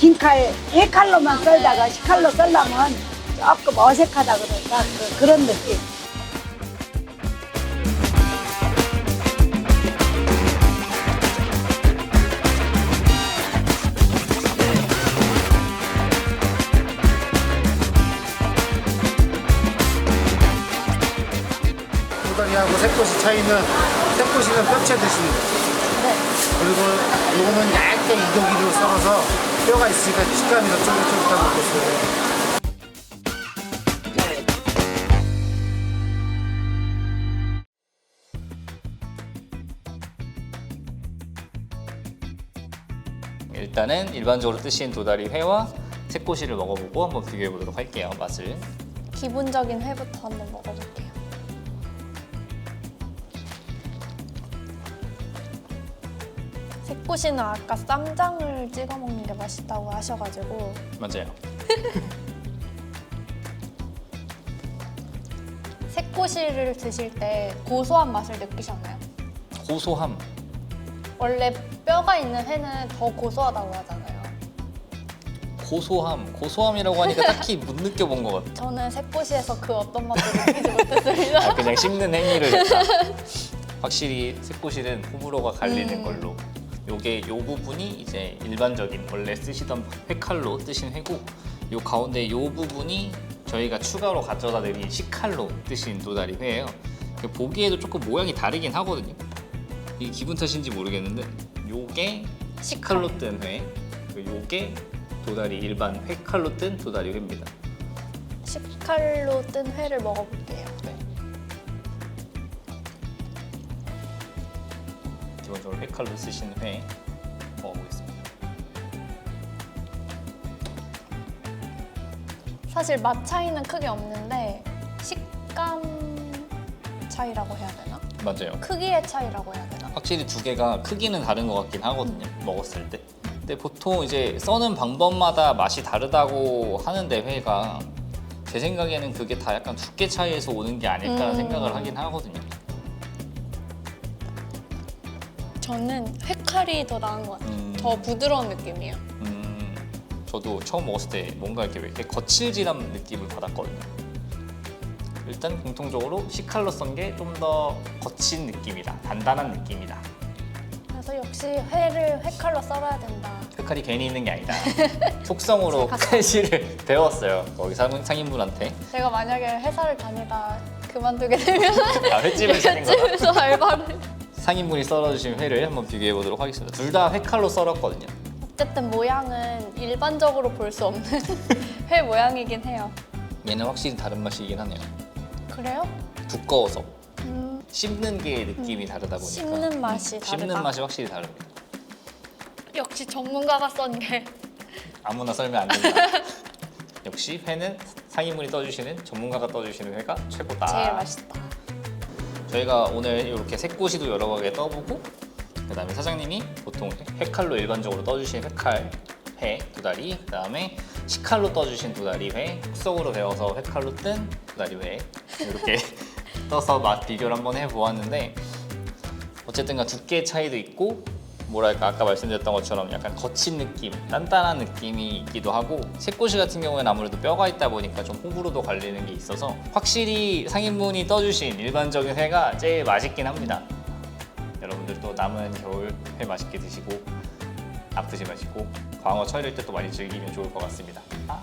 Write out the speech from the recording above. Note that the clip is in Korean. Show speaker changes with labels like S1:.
S1: 긴 칼, 예 칼로만 썰다가 식칼로 썰려면 조금 어색하다 그럴까? 그런 느낌.
S2: 도다리하고 새꼬시 차이는 새꼬시는 뼈채 드시는 거죠.
S1: 네.
S2: 그리고 요거는 얇게 이도기로 썰어서 뼈가 있으니까 식감이 더 쫄깃쫄깃하고 그렇습니다.
S3: 일단은 일반적으로 뜨신 도다리 회와 새꼬시를 먹어보고 한번 비교해 보도록 할게요. 맛을.
S4: 기본적인 회부터 한번 먹어볼게요. 새꼬시는 아까 쌈장을 찍어 먹는 게 맛있다고 하셔가지고
S3: 맞아요.
S4: 새꼬시를 드실 때 고소한 맛을 느끼셨나요?
S3: 고소함.
S4: 원래 뼈가 있는 회는 더 고소하다고 하잖아요.
S3: 고소함이라고 하니까 딱히 못 느껴본 것 같아.
S4: 저는 새꼬시에서 그 어떤 맛도 느끼지 못했습니다.
S3: 그냥 씹는 행위를 했다. 확실히 새꼬시는 호불호가 갈리는 걸로. 요 부분이 이제 일반적인 원래 쓰시던 회칼로 뜨신 회고, 요 가운데 요 부분이 저희가 추가로 가져다 드린 식칼로 뜨신 도다리 회예요. 보기에도 조금 모양이 다르긴 하거든요. 이게 기분 탓인지 모르겠는데 요게 식칼로 뜬 회, 그리고 요게 도다리 일반 회칼로 뜬 도다리 회입니다.
S4: 식칼로 뜬 회를 먹어볼게요.
S3: 네. 기본적으로 회칼로 쓰신 회 먹어보겠습니다.
S4: 사실 맛 차이는 크게 없는데 식감 차이라고 해야 되나?
S3: 맞아요.
S4: 크기의 차이라고 해야 되나?
S3: 확실히 두 개가 크기는 다른 것 같긴 하거든요. 먹었을 때. 근데 보통 이제 써는 방법마다 맛이 다르다고 하는데 회가 제 생각에는 그게 다 약간 두께 차이에서 오는 게 아닐까 생각을 하긴 하거든요.
S4: 저는 회칼이 더 나은 것 같아요. 더 부드러운 느낌이에요.
S3: 저도 처음 먹었을 때 뭔가 이렇게 거칠지한 느낌을 받았거든요. 일단 공통적으로 식칼로 썬 게 좀 더 거친 느낌이다, 단단한 느낌이다.
S4: 그래서 역시 회를 회칼로 썰어야 된다.
S3: 회칼이 괜히 있는 게 아니다. 속성으로 칼질을 배웠어요. 거기 상인분한테.
S4: 제가 만약에 회사를 다니다 그만두게 되면
S3: 횟집을 차린 거다.
S4: 횟집에서 알바를.
S3: 상인분이 썰어주신 회를 한번 비교해 보도록 하겠습니다. 둘 다 회칼로 썰었거든요.
S4: 어쨌든 모양은 일반적으로 볼 수 없는 회 모양이긴 해요.
S3: 얘는 확실히 다른 맛이긴 하네요.
S4: 그래요?
S3: 두꺼워서 씹는 게 느낌이 다르다 보니까
S4: 씹는 맛이 다르다.
S3: 씹는 맛이 확실히 다릅니다.
S4: 역시 전문가가 썬 게.
S3: 아무나 썰면 안 된다. 역시 회는 상인분이 떠주시는, 전문가가 떠주시는 회가 최고다.
S4: 제일 맛있다.
S3: 저희가 오늘 이렇게 새꼬시도 여러 개 떠보고, 그다음에 사장님이 보통 회칼로 일반적으로 떠주신 회 도다리, 그다음에 식칼로 떠주신 도다리 회, 속성으로 배워서 회칼로 뜬 도다리 회 이렇게 떠서 맛 비교를 한번 해보았는데, 어쨌든간 두께 차이도 있고, 뭐랄까 아까 말씀드렸던 것처럼 약간 거친 느낌, 단단한 느낌이 있기도 하고, 새꼬시 같은 경우에는 아무래도 뼈가 있다 보니까 좀 호불호도 갈리는 게 있어서 확실히 상인분이 떠주신 일반적인 회가 제일 맛있긴 합니다. 여러분들도 남은 겨울 회 맛있게 드시고 아프지 마시고 광어 철일 때 또 많이 즐기면 좋을 것 같습니다.